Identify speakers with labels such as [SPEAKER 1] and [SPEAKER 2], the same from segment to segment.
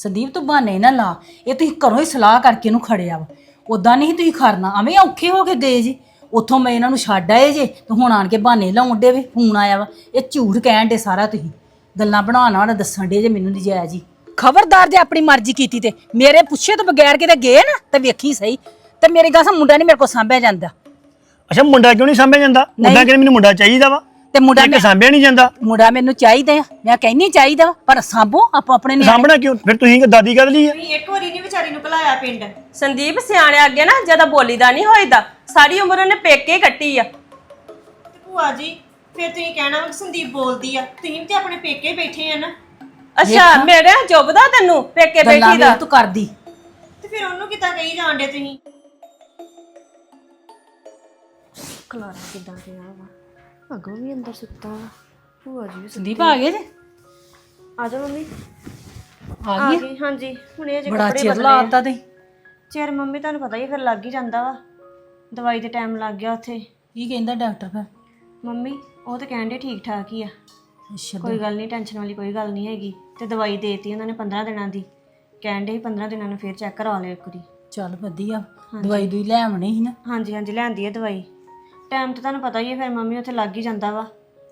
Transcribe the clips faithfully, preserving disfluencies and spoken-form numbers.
[SPEAKER 1] ਸੰਦੀਪ ਤੂੰ ਬਹਾਨੇ ਨਾ ਲਾ। ਇਹ ਤੁਸੀਂ ਘਰੋਂ ਹੀ ਸਲਾਹ ਕਰਕੇ ਇਹਨੂੰ ਖੜਿਆ ਵਾ। ਉਦਾਂ ਨਹੀਂ ਤੁਸੀਂ ਖੜਨਾ, ਐਵੇਂ ਔਖੇ ਹੋ ਕੇ ਗਏ ਜੀ। ਉੱਥੋਂ ਮੈਂ ਇਹਨਾਂ ਨੂੰ ਛੱਡ ਆਏ ਜੇ ਤੇ ਹੁਣ ਆਣ ਕੇ ਬਹਾਨੇ ਲਾਉਣ ਡੇ ਵੀ ਫੋਨ ਆਇਆ ਵਾ। ਇਹ ਝੂਠ ਕਹਿਣ ਡੇ ਸਾਰਾ, ਤੁਸੀਂ ਗੱਲਾਂ ਬਣਾਉਣ ਵਾਲਾ ਦੱਸਣ ਡੇ ਜੇ ਮੈਨੂੰ ਨਹੀਂ ਜਾਇਆ ਜੀ। ਖਬਰਦਾਰ ਜੇ ਆਪਣੀ ਮਰਜ਼ੀ ਕੀਤੀ ਤੇ ਮੇਰੇ ਪੁੱਛੇ ਤੋਂ ਬਗੈਰ ਕਿਤੇ ਗਏ ਨਾ ਤੇ ਵੇਖੀ ਸਹੀ। ਤੇ ਮੇਰੀ ਗੱਲ ਸੁਣ, ਮੁੰਡਾ ਨਹੀਂ ਮੇਰੇ ਕੋਲ ਸਾਂਭਿਆ ਜਾਂਦਾ।
[SPEAKER 2] ਅੱਛਾ ਮੁੰਡਾ ਕਿਉਂ ਨਹੀਂ ਸਾਂਭਿਆ ਜਾਂਦਾ? ਮੁੰਡਾ ਕਹਿੰਦੇ ਮੈਨੂੰ ਮੁੰਡਾ ਚਾਹੀਦਾ ਵਾ
[SPEAKER 1] ਤੇ ਮੁੰਡਾ
[SPEAKER 2] ਮੈਂ ਸਾਂਭਿਆ ਨਹੀਂ ਜਾਂਦਾ।
[SPEAKER 1] ਮੁੰਡਾ ਮੈਨੂੰ ਚਾਹੀਦਾ ਆ, ਮੈਂ ਕਹਿੰਨੀ ਚਾਹੀਦਾ ਪਰ ਸਾਂਭੋ ਆਪੋ ਆਪਣੇ ਨੇ।
[SPEAKER 2] ਸਾਂਭਣਾ ਕਿਉਂ ਫਿਰ? ਤੁਸੀਂ ਦਾਦੀ ਕਦ ਲਈ ਆ?
[SPEAKER 3] ਤੁਸੀਂ ਇੱਕ ਵਾਰੀ ਨਹੀਂ ਵਿਚਾਰੀ ਨੂੰ ਘਲਾਇਆ ਪਿੰਡ।
[SPEAKER 4] ਸੰਦੀਪ ਸਿਆਣੇ ਅੱਗੇ ਨਾ ਜਿਆਦਾ ਬੋਲੀਦਾ ਨਹੀਂ ਹੋਈਦਾ। ਸਾਰੀ ਉਮਰ ਉਹਨੇ ਪੇਕੇ ਕੱਟੀ ਆ।
[SPEAKER 3] ਤੇ ਭੂਆ ਜੀ ਫਿਰ ਤੁਸੀਂ ਕਹਿਣਾ ਵਾ ਕਿ ਸੰਦੀਪ ਬੋਲਦੀ ਆ, ਤੁਸੀਂ ਵੀ ਤੇ ਆਪਣੇ ਪੇਕੇ ਬੈਠੇ ਆ ਨਾ।
[SPEAKER 4] ਅੱਛਾ ਮੇਰੇ ਜੁਬਦਾ ਤੈਨੂੰ ਪੇਕੇ ਬੈਠੀ ਦਾ?
[SPEAKER 1] ਤੂੰ ਕਰਦੀ
[SPEAKER 3] ਤੇ ਫਿਰ ਉਹਨੂੰ ਕਿੱਦਾਂ ਕਹੀ ਜਾਂਦੇ ਤੁਸੀਂ?
[SPEAKER 5] ਕਲਾਰਾ ਕਿੱਦਾਂ ਪਿਆ ਵਾ, ਅੱਗੋਂ ਵੀ ਅੰਦਰ ਸੁੱਤਾ ਵਾ। ਭੂਆ ਜੀ ਵੀ
[SPEAKER 1] ਸੰਦੀਪ ਆ ਗਏ ਜੇ?
[SPEAKER 5] ਆ ਜਾ ਮੰਮੀ।
[SPEAKER 1] ਆ
[SPEAKER 5] ਆ
[SPEAKER 1] ਗਈ?
[SPEAKER 5] ਗਈ ਹਾਂਜੀ, ਹੁਣੇ ਅਜੇ
[SPEAKER 1] ਬੜਾ
[SPEAKER 5] ਕੱਪੜੇ
[SPEAKER 1] ਚਿਰ
[SPEAKER 5] ਬਦਲੇ
[SPEAKER 1] ਲਾਤਾ ਤੇ।
[SPEAKER 5] ਚਿਰ ਮੰਮੀ ਤੁਹਾਨੂੰ ਪਤਾ ਹੀ ਫਿਰ ਲੱਗ ਹੀ ਜਾਂਦਾ ਵਾ। ਦਵਾਈ ਦੇ ਟਾਈਮ ਲੱਗ ਗਿਆ ਉੱਥੇ।
[SPEAKER 1] ਕੀ ਕਹਿੰਦਾ ਡਾਕਟਰ ਫਿਰ?
[SPEAKER 5] ਮੰਮੀ ਉਹ ਤਾਂ ਕਹਿਣ ਦੇ ਠੀਕ ਠਾਕ ਹੀ ਆ,
[SPEAKER 1] ਅੱਛਾ
[SPEAKER 5] ਕੋਈ ਗੱਲ ਨਹੀਂ, ਟੈਨਸ਼ਨ ਵਾਲੀ ਕੋਈ ਗੱਲ ਨਹੀਂ ਹੈਗੀ। ਤੇ ਦਵਾਈ ਦੇਤੀ ਉਹਨਾਂ ਨੇ ਪੰਦਰਾਂ ਦਿਨਾਂ ਦੀ। ਕਹਿਣ ਦੇ ਸੀ ਪੰਦਰਾਂ ਦਿਨਾਂ ਨੂੰ ਫਿਰ ਚੈੱਕ ਕਰਵਾ ਲਿਓ ਇੱਕ ਵਾਰੀ।
[SPEAKER 1] ਚੱਲ ਵਧੀਆ, ਦਵਾਈ ਦੂਈ ਲੈ ਆਉਣੀ ਸੀ ਨਾ।
[SPEAKER 5] ਹਾਂਜੀ ਹਾਂਜੀ ਲਿਆਂਦੀ ਹੈ ਦਵਾਈ। ਟਾਈਮ ਤਾਂ ਤੁਹਾਨੂੰ ਪਤਾ ਹੀ ਹੈ ਫਿਰ ਮੰਮੀ ਉੱਥੇ ਲੱਗ ਹੀ ਜਾਂਦਾ ਵਾ।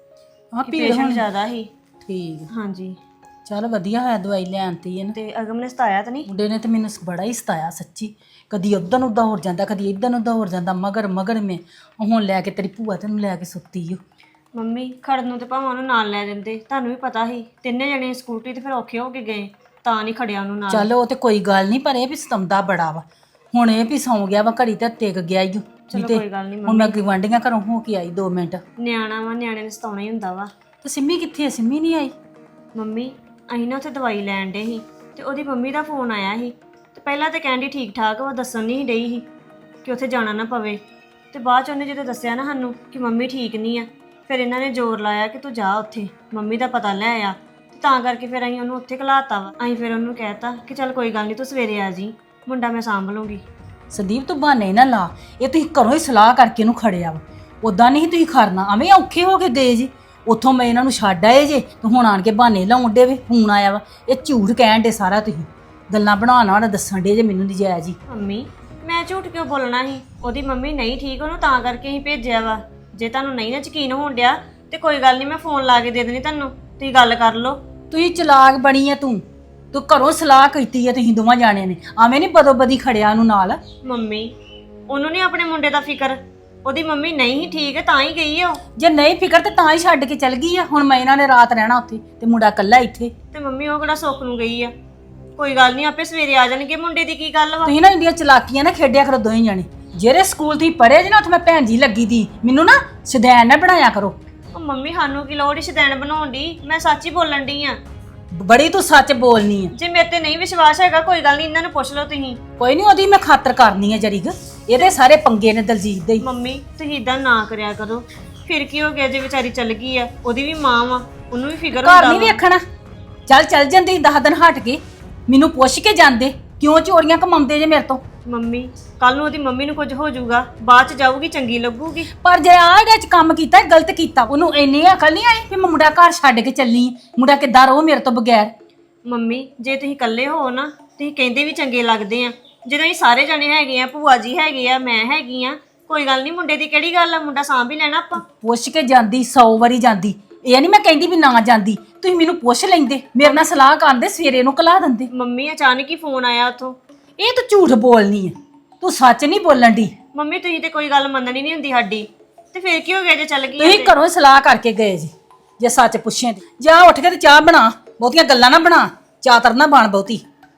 [SPEAKER 1] ਹਾਂ ਭੀੜ
[SPEAKER 5] ਪੇਸ਼ੈਂਟ
[SPEAKER 1] ਹੁਣ
[SPEAKER 5] ਜ਼ਿਆਦਾ ਸੀ।
[SPEAKER 1] ਠੀਕ।
[SPEAKER 5] ਹਾਂਜੀ
[SPEAKER 1] ਚੱਲ ਵਧੀਆ ਹੋਇਆ ਦਵਾਈ ਲੈ ਆਂਤੀ ਹੈ ਨਾ।
[SPEAKER 5] ਤੇ ਅਗਮ ਨੇ ਸਤਾਇਆ ਤਾਂ ਨਹੀਂ?
[SPEAKER 1] ਮੁੰਡੇ ਨੇ ਤੇ ਮੈਨੂੰ ਬੜਾ ਹੀ ਸਤਾਇਆ ਸੱਚੀ। ਕਦੀ ਉੱਧਰ ਨੂੰ ਉੱਦਾਂ ਹੋਰ ਜਾਂਦਾ, ਕਦੀ ਇੱਧਰ ਨੂੰ ਉੱਦਾਂ ਹੋਰ ਜਾਂਦਾ, ਮਗਰ ਮਗਰ ਮੈਂ ਹੁਣ ਲੈ ਕੇ ਤੇਰੀ ਭੂਆ ਤੈਨੂੰ ਲੈ ਕੇ ਸੁੱਤੀ ਓ।
[SPEAKER 5] ਮੰਮੀ ਖੜਨ ਨੂੰ ਤੇ ਭਾਵੇਂ ਉਹਨੂੰ ਨਾਲ ਲੈ ਜਾਂਦੇ, ਤੁਹਾਨੂੰ ਵੀ ਪਤਾ ਸੀ ਤਿੰਨੇ ਜਣੇ ਸਕੂਟਰੀ ਤੇ ਫਿਰ ਔਖੇ ਹੋ ਕੇ ਗਏ, ਤਾਂ ਨਹੀਂ ਖੜਿਆ ਉਹਨੂੰ ਨਾਲ।
[SPEAKER 1] ਚੱਲ ਉਹ ਤੇ ਕੋਈ ਗੱਲ ਨਹੀਂ, ਪਰ ਇਹ ਵੀ ਸਤੰਦਾ ਬੜਾ ਵਾ। ਹੁਣ ਇਹ ਵੀ ਸੌਂ ਗਿਆ ਵਾ, ਘੜੀ ਤੇ ਟਿਕ ਗਿਆ ਈ ਓ।
[SPEAKER 5] ਚਲੋ ਕੋਈ ਗੱਲ ਨਹੀਂ
[SPEAKER 1] ਹੁਣ ਮੈਂ ਗਵਾਂਢੀਆਂ ਘਰੋਂ ਹੋ ਕੇ ਆਈ ਦੋ ਮਿੰਟ।
[SPEAKER 5] ਨਿਆਣਾ ਵਾ, ਨਿਆਣੇ ਨੇ ਸਤਾਉਣਾ ਹੀ ਹੁੰਦਾ ਵਾ।
[SPEAKER 1] ਤੇ ਸਿੰਮੀ ਕਿੱਥੇ ਆ? ਸਿੰਮੀ ਨਹੀਂ ਆਈ?
[SPEAKER 5] ਮੰਮੀ ਅਸੀਂ ਨਾ ਉੱਥੇ ਦਵਾਈ ਲੈਣ ਡੇ ਸੀ ਤੇ ਉਹਦੀ ਮੰਮੀ ਦਾ ਫੋਨ ਆਇਆ ਸੀ। ਤੇ ਪਹਿਲਾਂ ਤਾਂ ਕਹਿੰਦੀ ਠੀਕ ਠਾਕ ਵਾ, ਦੱਸਣ ਨਹੀਂ ਡਈ ਸੀ ਕਿ ਉੱਥੇ ਜਾਣਾ ਨਾ ਪਵੇ। ਤੇ ਬਾਅਦ ਚ ਉਹਨੇ ਜਦੋਂ ਦੱਸਿਆ ਨਾ ਸਾਨੂੰ ਕਿ ਮੰਮੀ ਠੀਕ ਨਹੀਂ ਆ, ਫਿਰ ਇਹਨਾਂ ਨੇ ਜ਼ੋਰ ਲਾਇਆ ਕਿ ਤੂੰ ਜਾ ਉੱਥੇ ਮੰਮੀ ਦਾ ਪਤਾ ਲੈ ਆ। ਤੇ ਤਾਂ ਕਰਕੇ ਫਿਰ ਅਸੀਂ ਉਹਨੂੰ ਉੱਥੇ ਘਲਾਤਾ ਵਾ। ਅਸੀਂ ਫਿਰ ਉਹਨੂੰ ਕਹਿਤਾ ਕਿ ਚੱਲ ਕੋਈ ਗੱਲ ਨਹੀਂ ਤੂੰ ਸਵੇਰੇ ਆ ਜੀ, ਮੁੰਡਾ ਮੈਂ ਸਾਂਭ ਲੂੰਗੀ।
[SPEAKER 1] ਸੰਦੀਪ ਤੂੰ ਬਹਾਨੇ ਨਾ ਲਾ। ਇਹ ਤੁਸੀਂ ਘਰੋਂ ਹੀ ਸਲਾਹ ਕਰਕੇ ਇਹਨੂੰ ਖੜਿਆ ਵਾ। ਉਦਾਂ ਨਹੀਂ ਤੁਸੀਂ ਖੜਨਾ, ਐਵੇਂ ਔਖੇ ਹੋ ਕੇ ਗਏ ਜੀ। ਉੱਥੋਂ ਮੈਂ ਇਹਨਾਂ ਨੂੰ ਛੱਡ ਆਏ ਜੇ ਤੇ ਹੁਣ ਆਣ ਕੇ ਬਹਾਨੇ ਲਾਉਣ ਡੇ ਵੀ ਫੋਨ ਆਇਆ ਵਾ। ਇਹ ਝੂਠ ਕਹਿਣ ਡੇ ਸਾਰਾ, ਤੁਸੀਂ ਗੱਲਾਂ ਬਣਾਉਣ ਵਾਲਾ ਦੱਸਣ ਡੇ ਜੇ ਮੈਨੂੰ ਨਹੀਂ ਜਾਇਆ ਜੀ।
[SPEAKER 5] ਮੰਮੀ ਮੈਂ ਝੂਠ ਕਿਉਂ ਬੋਲਣਾ ਸੀ? ਉਹਦੀ ਮੰਮੀ ਨਹੀਂ ਠੀਕ, ਉਹਨੂੰ ਤਾਂ ਕਰਕੇ ਅਸੀਂ ਭੇਜਿਆ ਵਾ। ਜੇ ਤੁਹਾਨੂੰ ਨਹੀਂ ਨਾ ਯਕੀਨ ਹੋਣ ਡਿਆ ਤੇ ਕੋਈ ਗੱਲ ਨਹੀਂ, ਮੈਂ ਫੋਨ ਲਾ ਕੇ ਦੇ ਦੇਣੀ ਤੁਹਾਨੂੰ, ਤੁਸੀਂ ਗੱਲ ਕਰ ਲਓ।
[SPEAKER 1] ਤੁਸੀਂ ਚਲਾਕ ਬਣੀ ਆ ਤੂੰ ਤੂੰ ਘਰੋਂ ਸਲਾਹ ਕੀਤੀ ਆ ਤੁਸੀਂ ਦੋਵਾਂ ਜਾਣਿਆਂ ਨੇ, ਐਵੇਂ ਨਹੀਂ ਬਦੋ ਬਦੀ ਖੜਿਆ ਉਹਨੂੰ ਨਾਲ।
[SPEAKER 5] ਮੰਮੀ ਉਹਨੂੰ ਨਹੀਂ ਆਪਣੇ ਮੁੰਡੇ ਦਾ ਫਿਕਰ, ਉਹਦੀ ਮੰਮੀ ਨਹੀਂ ਹੀ ਠੀਕ ਹੈ ਤਾਂ ਹੀ ਗਈ ਆ ਉਹ।
[SPEAKER 1] ਜੇ ਨਹੀਂ ਫਿਕਰ ਤੇ ਤਾਂ ਹੀ ਛੱਡ ਕੇ ਚਲ ਗਈ ਆ। ਹੁਣ ਮੈਂ ਇਹਨਾਂ ਨੇ ਰਾਤ ਰਹਿਣਾ ਉੱਥੇ ਤੇ ਮੁੰਡਾ ਇਕੱਲਾ ਇੱਥੇ।
[SPEAKER 5] ਤੇ ਮੰਮੀ ਉਹ ਕਿਹੜਾ ਸੁੱਖ ਨੂੰ ਗਈ ਆ? ਕੋਈ ਗੱਲ ਨਹੀਂ, ਆਪੇ ਸਵੇਰੇ ਆ ਜਾਣਗੇ। ਮੁੰਡੇ ਦੀ ਕੀ ਗੱਲ ਵਾ?
[SPEAKER 1] ਤੁਸੀਂ ਨਾ ਇੰਡੀਆ ਚਲਾਕੀਆਂ ਨਾ ਖੇਡਿਆ ਕਰੋ ਦੋਵੇਂ ਜਾਣੇ। ਜਿਹੜੇ ਸਕੂਲ ਤੁਸੀਂ ਪੜ੍ਹੇ ਜੇ ਨਾ ਉੱਥੇ ਮੈਂ ਭੈਣ ਜੀ ਲੱਗੀ ਦੀ, ਮੈਨੂੰ ਨਾ ਸ਼ਦੈਨ ਨਾ ਬਣਾਇਆ ਕਰੋ।
[SPEAKER 5] ਉਹ ਮੰਮੀ ਸਾਨੂੰ ਕੀ ਲੋੜ ਸ਼ਦੈਣ ਬਣਾਉਣ ਦੀ, ਮੈਂ ਸੱਚ ਹੀ ਬੋਲਣ ਡਈ ਆ।
[SPEAKER 1] ਬੜੀ ਤੂੰ ਸੱਚ ਬੋਲਨੀ ਆ।
[SPEAKER 5] ਜੇ ਮੇਰੇ ਤੇ ਨਹੀਂ ਵਿਸ਼ਵਾਸ ਹੈਗਾ ਕੋਈ ਗੱਲ ਨਹੀਂ, ਇਹਨਾਂ ਨੂੰ ਪੁੱਛ ਲਓ ਤੁਸੀਂ।
[SPEAKER 1] ਕੋਈ ਨਹੀਂ, ਉਹਦੀ ਮੈਂ ਖਾਤਰ ਕਰਨੀ ਆ ਜਰੀਗ। ਇਹਦੇ ਸਾਰੇ ਪੰਗੇ ਨੇ ਦਲਜੀਤ ਦੇ ਹੀ।
[SPEAKER 5] ਮੰਮੀ ਤੁਸੀਂ ਇਦਾਂ ਨਾ ਕਰਿਆ ਕਰੋ। ਫਿਰ ਕੀ ਹੋ ਗਿਆ ਜੇ ਵਿਚਾਰੀ ਚੱਲ ਗਈ ਆ? ਉਹਦੀ ਵੀ ਮਾਂ ਵਾ, ਉਹਨੂੰ ਵੀ ਫਿਕਰ
[SPEAKER 1] ਘਰ
[SPEAKER 5] ਹੁੰਦਾ
[SPEAKER 1] ਨਹੀਂ ਵੇਖਣਾ। ਚੱਲ ਚੱਲ ਜਾਂਦੀ ਦਸ ਦਿਨ ਹਟ ਕੇ, ਮੈਨੂੰ ਪੁੱਛ ਕੇ ਜਾਂਦੇ ਕਿਉਂ ਚੋਰੀਆਂ ਕਮਾਉਂਦੇ ਜੇ ਮੇਰੇ ਤੋਂ।
[SPEAKER 5] ਮੰਮੀ ਕੱਲ ਨੂੰ ਉਹਦੀ ਮੰਮੀ ਨੂੰ ਕੁਝ ਹੋ ਜਾਊਗਾ, ਬਾਅਦ ਚ ਜਾਊਗੀ ਚੰਗੀ ਲੱਗੂਗੀ।
[SPEAKER 1] ਪਰ ਜੇ ਆਹ ਇਹਦੇ ਚ ਕੰਮ ਕੀਤਾ ਇਹ ਗਲਤ ਕੀਤਾ। ਉਹਨੂੰ ਇੰਨੀ ਅਕਲ ਨਹੀਂ ਆਈ ਕਿ ਮੈਂ ਮੁੰਡਾ ਘਰ ਛੱਡ ਕੇ ਚੱਲੀ ਆਂ। ਮੁੰਡਾ ਕਿੱਦਾਂ ਰਹੋ ਮੇਰੇ ਤੋਂ ਬਗੈਰ।
[SPEAKER 5] ਮੰਮੀ ਜੇ ਤੁਸੀਂ ਇਕੱਲੇ ਹੋ ਨਾ, ਤੁਸੀਂ ਕਹਿੰਦੇ ਵੀ ਚੰਗੇ ਲੱਗਦੇ ਆ। ਜਦੋਂ ਅਸੀਂ ਸਾਰੇ ਜਣੇ ਹੈਗੇ ਆ, ਭੂਆ ਜੀ ਹੈਗੇ ਆ, ਮੈਂ ਹੈਗੀ ਆ, ਕੋਈ ਗੱਲ ਨਹੀਂ, ਮੁੰਡੇ ਦੀ ਕਿਹੜੀ ਗੱਲ ਆ? ਮੁੰਡਾ ਸਾਂਭ ਹੀ ਲੈਣਾ ਆਪਾਂ।
[SPEAKER 1] ਪੁੱਛ ਕੇ ਜਾਂਦੀ, ਸੌ ਵਾਰੀ ਜਾਂਦੀ। ਇਹ ਨਹੀਂ ਮੈਂ ਕਹਿੰਦੀ ਵੀ ਨਾ ਜਾਂਦੀ, ਤੁਸੀਂ ਮੈਨੂੰ ਪੁੱਛ ਲੈਂਦੇ, ਮੇਰੇ ਨਾਲ ਸਲਾਹ ਕਰਦੇ, ਸਵੇਰੇ ਨੂੰ ਕਲਾ ਦਿੰਦੇ।
[SPEAKER 5] ਮੰਮੀ ਅਚਾਨਕ ਹੀ ਫੋਨ ਆਇਆ ਉੱਥੋਂ।
[SPEAKER 1] ਇਹ ਤੂੰ ਝੂਠ ਬੋਲਨੀ ਹੈ, ਤੂੰ ਸੱਚ ਨਹੀਂ ਬੋਲਣ ਦੀ।
[SPEAKER 5] ਮੰਮੀ ਤੁਸੀਂ ਤੇ ਕੋਈ ਗੱਲ ਮੰਨਣੀ ਨਹੀਂ ਹੁੰਦੀ ਸਾਡੀ, ਤੇ ਫਿਰ ਕੀ ਹੋ ਗਿਆ ਜੇ ਚੱਲ ਗਈ?
[SPEAKER 1] ਤੁਸੀਂ ਘਰੋਂ ਸਲਾਹ ਕਰਕੇ ਗਏ ਜੀ। ਜੇ ਸੱਚ ਪੁੱਛੇ ਤੇ ਜਾ ਉੱਠ ਕੇ ਤੇ ਚਾਹ ਬਣਾ, ਬਹੁਤੀਆਂ ਗੱਲਾਂ ਨਾ ਬਣਾ, ਚਾਤਰ ਨਾ ਬਣ ਬਹੁਤੀ।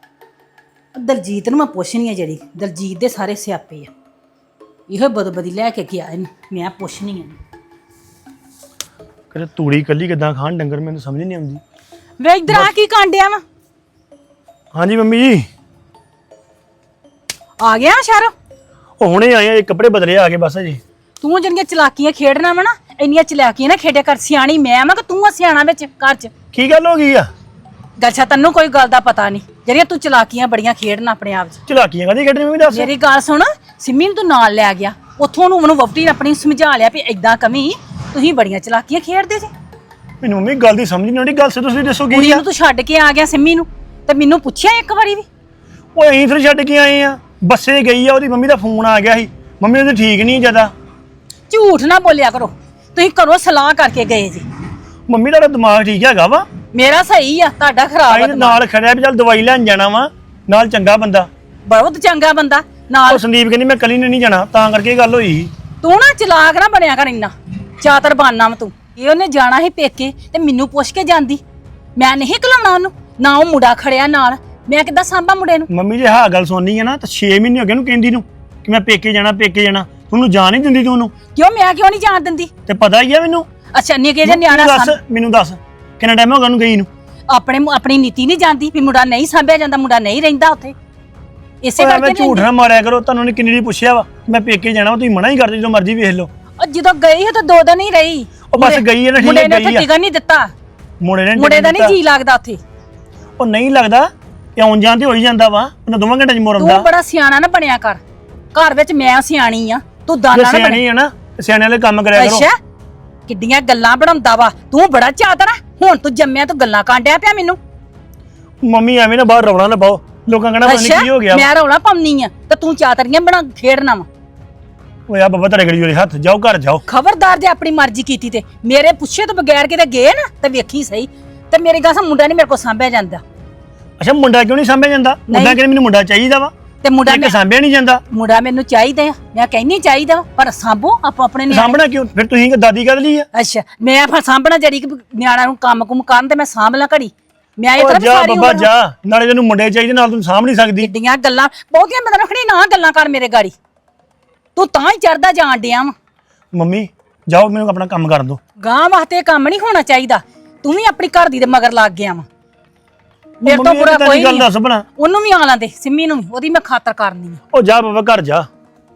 [SPEAKER 1] ਦਲਜੀਤ ਨੂੰ ਮੈਂ ਪੁੱਛਣੀ ਆ, ਜਿਹੜੀ ਦਲਜੀਤ ਦੇ ਸਾਰੇ ਸਿਆਪੇ ਆ। ਇਹੋ ਬਦਬਦੀ ਲੈ ਕੇ ਗਿਆ ਇਹਨੂੰ, ਮੈਂ ਪੁੱਛਣੀ ਆ।
[SPEAKER 2] ਕਦੇ ਤੂੜੀ ਕੱਲੀ ਕਿਦਾਂ ਖਾਣ ਡੰਗਰ, ਮੈਨੂੰ ਸਮਝ ਨਹੀਂ ਆਉਂਦੀ।
[SPEAKER 1] ਵੇ ਇਧਰ ਆ, ਕੀ ਕਾਂਡਿਆ ਵਾ?
[SPEAKER 2] ਹਾਂਜੀ ਮੰਮੀ ਜੀ
[SPEAKER 1] ਆ ਗਿਆ ਸ਼ਹਿਰੋਂ?
[SPEAKER 2] ਉਹ ਹੁਣੇ ਆਏ ਆ, ਇਹ ਕੱਪੜੇ ਬਦਲੇ ਆ ਗਏ ਬਸ ਜੀ।
[SPEAKER 1] ਤੂੰ ਜਿਹੜੀਆਂ ਚਲਾਕੀਆਂ ਖੇਡਣਾ ਵਾ ਨਾ, ਇੰਨੀਆਂ ਚਲਾਕੀਆਂ ਨਾ ਖੇਡਿਆ ਕਰ। ਸਿਆਣੀ ਮੈਂ ਵਾ ਕਿ ਤੂੰ ਆ ਸਿਆਣਾ ਵਿੱਚ ਘਰ 'ਚ?
[SPEAKER 2] ਕੀ ਗੱਲ ਹੋ ਗਈ ਆ?
[SPEAKER 1] ਗੱਛਾ ਤੈਨੂੰ ਕੋਈ ਗੱਲ ਦਾ ਪਤਾ ਨਹੀਂ, ਜਿਹੜੀਆਂ ਤੂੰ ਚਲਾਕੀਆਂ ਬੜੀਆਂ ਖੇਡਣਾ ਆਪਣੇ ਆਪ 'ਚ।
[SPEAKER 2] ਚਲਾਕੀਆਂ ਕਾਹਦੀ ਕੱਢਣੀ ਮੰਮੀ ਦੱਸ?
[SPEAKER 1] ਮੇਰੀ ਗੱਲ ਸੁਣ, ਸਿੰਮੀ ਨੂੰ ਤੂੰ ਨਾਲ ਲੈ ਗਿਆ ਉੱਥੋਂ, ਉਹਨੂੰ ਉਹਨੂੰ ਵਹੁਟੀ ਨੇ ਆਪਣੀ ਸਮਝਾ ਲਿਆ ਵੀ ਏਦਾਂ ਕਮੀ, ਤੁਸੀਂ ਬੜੀਆਂ ਚਲਾਕੀਆਂ ਖੇਡਦੇ ਜੇ।
[SPEAKER 2] ਮੈਨੂੰ ਮੰਮੀ ਗੱਲ ਦੀ ਸਮਝ ਨਹੀਂ ਆਉਂਦੀ, ਗੱਲ ਸੇ ਤੁਸੀਂ ਦੱਸੋ ਕੀ
[SPEAKER 1] ਕੁੜੀ
[SPEAKER 2] ਆ?
[SPEAKER 1] ਨੂੰ ਤੂੰ ਛੱਡ ਕੇ ਆ ਗਿਆ ਸਿੰਮੀ ਨੂੰ, ਤੇ ਮੈਨੂੰ ਪੁੱਛਿਆ ਇੱਕ ਵਾਰੀ ਵੀ?
[SPEAKER 2] ਉਹ ਅਸੀਂ ਫਿਰ ਛੱਡ ਕੇ ਆਏ ਆ, ਬੱਸੇ ਗਈ ਆ, ਉਹਦੀ ਮੰਮੀ ਦਾ ਫੋਨ ਆ ਗਿਆ ਸੀ, ਮੰਮੀ ਉਹਦੀ ਠੀਕ ਨਹੀਂ ਜਿਆਦਾ।
[SPEAKER 1] ਝੂਠ ਨਾ ਬੋਲਿਆ ਕਰੋ, ਤੁਸੀਂ ਘਰੋਂ ਸਲਾਹ ਕਰਕੇ ਗਏ ਜੀ।
[SPEAKER 2] ਮੰਮੀ ਦਾ ਦਿਮਾਗ ਠੀਕ ਹੈਗਾ ਵਾ,
[SPEAKER 1] ਮੇਰਾ ਸਹੀ ਆ, ਤੁਹਾਡਾ ਖਰਾਬ ਆ
[SPEAKER 2] ਅਸੀਂ ਨਾਲ ਖੜਿਆ ਵੀ ਚੱਲ ਦਵਾਈ ਲੈਣ ਜਾਣਾ ਵਾ, ਨਾਲ ਚੰਗਾ ਬੰਦਾ।
[SPEAKER 1] ਬਹੁਤ ਚੰਗਾ ਬੰਦਾ ਨਾਲ।
[SPEAKER 2] ਉਹ ਸੰਦੀਪ ਕਹਿੰਦੀ ਮੈਂ ਕੱਲੀ ਨੇ ਨਹੀਂ ਜਾਣਾ, ਤਾਂ ਕਰਕੇ ਇਹ ਗੱਲ ਹੋਈ।
[SPEAKER 1] ਤੂੰ ਨਾ ਚਲਾਕ ਨਾ ਬਣਿਆ ਕਰ ਇੰਨਾ, ਚਾਤਰ ਬਾਨਾ ਵਾ ਤੂੰ। ਇਹ ਉਹਨੇ ਜਾਣਾ ਸੀ ਪੇਕੇ ਤੇ ਮੈਨੂੰ ਪੁੱਛ ਕੇ ਜਾਂਦੀ, ਮੈਂ ਨਹੀਂ ਘਲਾਉਣਾ ਉਹਨੂੰ। ਨਾ ਉਹ ਮੁੰਡਾ ਖੜਿਆ ਨਾਲ, ਮੈਂ ਕਿੱਦਾਂ ਸਾਂਭਾ ਮੁੰਡੇ ਨੂੰ?
[SPEAKER 2] ਮੰਮੀ ਜੇ ਹਾਂ ਗੱਲ ਸੁਣਨੀ ਹੈ ਨਾ ਤਾਂ ਛੇ ਮਹੀਨੇ ਹੋ ਗਏ ਉਹਨੂੰ ਕਹਿੰਦੀ ਨੂੰ ਕਿ ਮੈਂ ਪੇਕੇ ਜਾਣਾ ਪੇਕੇ ਜਾਣਾ, ਤੁਹਾਨੂੰ ਜਾਣ ਨਹੀਂ ਦਿੰਦੀ ਤੂੰ ਉਹਨੂੰ।
[SPEAKER 1] ਕਿਉਂ, ਮੈਂ ਕਿਉਂ ਨਹੀਂ ਜਾਣ ਦਿੰਦੀ?
[SPEAKER 2] ਤੇ ਪਤਾ ਹੀ ਆ ਮੈਨੂੰ।
[SPEAKER 1] ਅੱਛਾ ਨਿੱਕੇ ਜਿਹਾ ਨਿਆਣਾ
[SPEAKER 2] ਦੱਸ
[SPEAKER 1] ਸਾਂਭ-
[SPEAKER 2] ਮੈਨੂੰ ਦੱਸ ਕਿੰਨਾ ਟਾਈਮ ਹੋ ਗਿਆ ਉਹਨੂੰ ਗਈ ਨੂੰ?
[SPEAKER 1] ਆਪਣੇ ਆਪਣੀ ਨੀਤੀ ਨਹੀਂ ਜਾਂਦੀ ਵੀ ਮੁੰਡਾ ਨਹੀਂ ਸਾਂਭਿਆ ਜਾਂਦਾ, ਮੁੰਡਾ ਨਹੀਂ ਰਹਿੰਦਾ ਉੱਥੇ। ਇਸੇ
[SPEAKER 2] ਮੈਂ
[SPEAKER 1] ਕਰਕੇ
[SPEAKER 2] ਝੂਠ ਨਾ ਮਾਰਿਆ ਕਰੋ, ਤੁਹਾਨੂੰ ਨੇ ਕਿੰਨੀ ਵਾਰੀ ਪੁੱਛਿਆ ਵਾ ਮੈਂ ਪੇਕੇ ਜਾਣਾ, ਤੁਸੀਂ ਮਨਾ ਹੀ ਕਰਦੇ ਜਦੋਂ ਮਰਜ਼ੀ ਵੇਖ ਲਓ।
[SPEAKER 1] ਉਹ ਜਦੋਂ ਗਈ ਹੈ ਤਾਂ ਦੋ ਦਿਨ ਹੀ ਰਹੀ।
[SPEAKER 2] ਉਹ ਬਸ ਗਈ ਹੈ ਨਾ, ਠੀਕ
[SPEAKER 1] ਮੁੰਡੇ
[SPEAKER 2] ਹੈ
[SPEAKER 1] ਨੇ
[SPEAKER 2] ਗਈ
[SPEAKER 1] ਉੱਥੇ
[SPEAKER 2] ਆ।
[SPEAKER 1] ਟਿਕਣ ਨਹੀਂ ਦਿੱਤਾ,
[SPEAKER 2] ਮੁੰਡੇ ਨੇ
[SPEAKER 1] ਮੁੰਡੇ ਦਾ ਨਹੀਂ ਜੀ ਲੱਗਦਾ ਉੱਥੇ।
[SPEAKER 2] ਉਹ ਨਹੀਂ ਲੱਗਦਾ ਕਿ ਆਉਣ ਜਾਣ ਤੇ ਹੋ ਹੀ ਜਾਂਦਾ ਵਾ, ਉਹਨਾਂ ਦੋਵਾਂ ਘੰਟੇ ਚ ਮੁਰਮਦਾ।
[SPEAKER 1] ਤੂੰ ਬੜਾ ਸਿਆਣਾ ਨਾ ਬਣਿਆ ਕਰ, ਘਰ ਵਿੱਚ ਮੈਂ ਸਿਆਣੀ ਆ, ਤੂੰ ਦਾਨਾ ਨਾ ਬਣ।
[SPEAKER 2] ਸਿਆਣੀ ਆ ਨਾ, ਸਿਆਣੇ ਵਾਲੇ ਕੰਮ ਕਰਿਆ ਕਰੋ।
[SPEAKER 1] ਅੱਛਾ ਕਿੱਡੀਆਂ ਗੱਲਾਂ ਬਣਾਉਂਦਾ ਵਾ ਤੂੰ, ਬੜਾ ਚਾਤਰ ਆ। ਹੁਣ ਤੂੰ ਜੰਮਿਆ ਤੂੰ ਗੱਲਾਂ ਕਾਂਡਿਆ ਪਿਆ ਮੈਨੂੰ।
[SPEAKER 2] ਮੰਮੀ ਐਵੇਂ ਨਾ ਬਾਹਰ ਰੌਲਾ ਨਾ ਪਾਓ, ਲੋਕਾਂ ਕਹਿਣਾ ਪਤਾ ਨਹੀਂ ਕੀ ਹੋ ਗਿਆ।
[SPEAKER 1] ਮੈਂ ਰੌਲਾ ਪਾਉਣੀ ਆ ਤੇ ਤੂੰ ਚਾਤਰੀਆਂ ਬਣਾ ਖੇਡਣਾ ਵਾ।
[SPEAKER 2] ਓਏ ਆ ਬਾਬਾ ਤੇਰੇ ਗੜੀ ਵਾਲੇ ਹੱਥ, ਜਾਓ ਘਰ ਜਾਓ।
[SPEAKER 1] ਖਬਰਦਾਰ ਜੇ ਆਪਣੀ ਮਰਜ਼ੀ ਕੀਤੀ ਤੇ ਮੇਰੇ ਪੁੱਛੇ ਤੋਂ ਬਗੈਰ ਕਿਤੇ ਗਏ ਨਾ ਤੇ ਵੇਖੀ ਸਹੀ। ਤੇ ਮੇਰੇ ਗਾਸਾ ਮੁੰਡਾ ਨਹੀਂ ਮੇਰੇ ਕੋਲ ਸਾਂਭਿਆ ਜਾਂਦਾ।
[SPEAKER 2] ਅੱਛਾ ਮੁੰਡਾ ਕਿਉਂ ਨਹੀਂ ਸਾਂਭਿਆ ਜਾਂਦਾ? ਮੁੰਡਾ ਕਹਿੰਦੇ ਮੈਨੂੰ ਮੁੰਡਾ ਚਾਹੀਦਾ ਵਾ,
[SPEAKER 1] ਤੇ ਮੁੰਡਾ
[SPEAKER 2] ਇੱਕ ਸਾਂਭਿਆ ਨਹੀਂ ਜਾਂਦਾ।
[SPEAKER 1] ਮੁੰਡਾ ਮੈਨੂੰ ਚਾਹੀਦਾ ਆ, ਮੈਂ ਕਹਿੰਨੀ ਚਾਹੀਦਾ ਵਾ, ਪਰ ਸਾਂਭੋ ਆਪੋ ਆਪਣੇ ਨਿਆਣੇ।
[SPEAKER 2] ਸਾਂਭਣਾ ਕਿਉਂ ਫਿਰ? ਤੁਸੀਂ ਕਿ ਦਾਦੀ ਕਦ ਲਈ ਆ?
[SPEAKER 1] ਅੱਛਾ ਮੈਂ ਫਿਰ ਸਾਂਭਣਾ ਜਿਹੜੀ ਕਿ ਨਿਆਣਾ ਨੂੰ ਕੰਮ ਕੁਮ ਕਰਨ ਤੇ ਮੈਂ ਸਾਂਭ ਲਾਂ ਘੜੀ। ਮੈਂ ਇਹ
[SPEAKER 2] ਓ
[SPEAKER 1] ਤਰ੍ਹਾਂ
[SPEAKER 2] ਜਾ
[SPEAKER 1] ਸਾਰੀ
[SPEAKER 2] ਬਾਬਾ
[SPEAKER 1] ਉਮਰ
[SPEAKER 2] ਜਾ, ਨਾਲੇ ਤੈਨੂੰ ਮੁੰਡੇ ਚਾਹੀਦੇ, ਨਾਲ ਤੂੰ ਸਾਂਭ ਨਹੀਂ ਸਕਦੀ।
[SPEAKER 1] ਕਿੱਡੀਆਂ ਗੱਲਾਂ ਬਹੁਤੀਆਂ ਮੈਂ ਰੱਖਣੀ ਨਾ ਗੱਲਾਂ ਕਰ ਮੇਰੇ ਗਾੜੀ। ਤੂੰ ਤਾਂ ਹੀ ਚੜਦਾ ਜਾਣ ਡਿਆ ਵਾ।
[SPEAKER 2] ਮੰਮੀ ਜਾਓ, ਮੈਨੂੰ ਆਪਣਾ ਕੰਮ ਕਰਨ ਦਿਓ।
[SPEAKER 1] ਗਾਂ ਵਾਸਤੇ ਇਹ ਕੰਮ ਨਹੀਂ ਹੋਣਾ ਚਾਹੀਦਾ। ਤੂੰ ਵੀ ਆਪਣੀ ਘਰ ਦੀ ਦੇ ਮਗਰ ਲੱਗ ਗਿਆ ਵਾ। ਮੇਰੇ ਤੋਂ
[SPEAKER 2] ਮੰਮੀ
[SPEAKER 1] ਬੁਰਾ
[SPEAKER 2] ਇਹ
[SPEAKER 1] ਕੋਈ
[SPEAKER 2] ਗੱਲ
[SPEAKER 1] ਨਹੀਂ।
[SPEAKER 2] ਦੱਸ ਬਣਾ,
[SPEAKER 1] ਉਹਨੂੰ ਵੀ ਆ ਲਾਂਦੇ, ਸਿੰਮੀ ਨੂੰ ਵੀ, ਉਹਦੀ ਮੈਂ ਖਾਤਰ ਕਰਨੀ ਆ।
[SPEAKER 2] ਉਹ ਜਾ ਬਾਬਾ ਘਰ ਜਾ।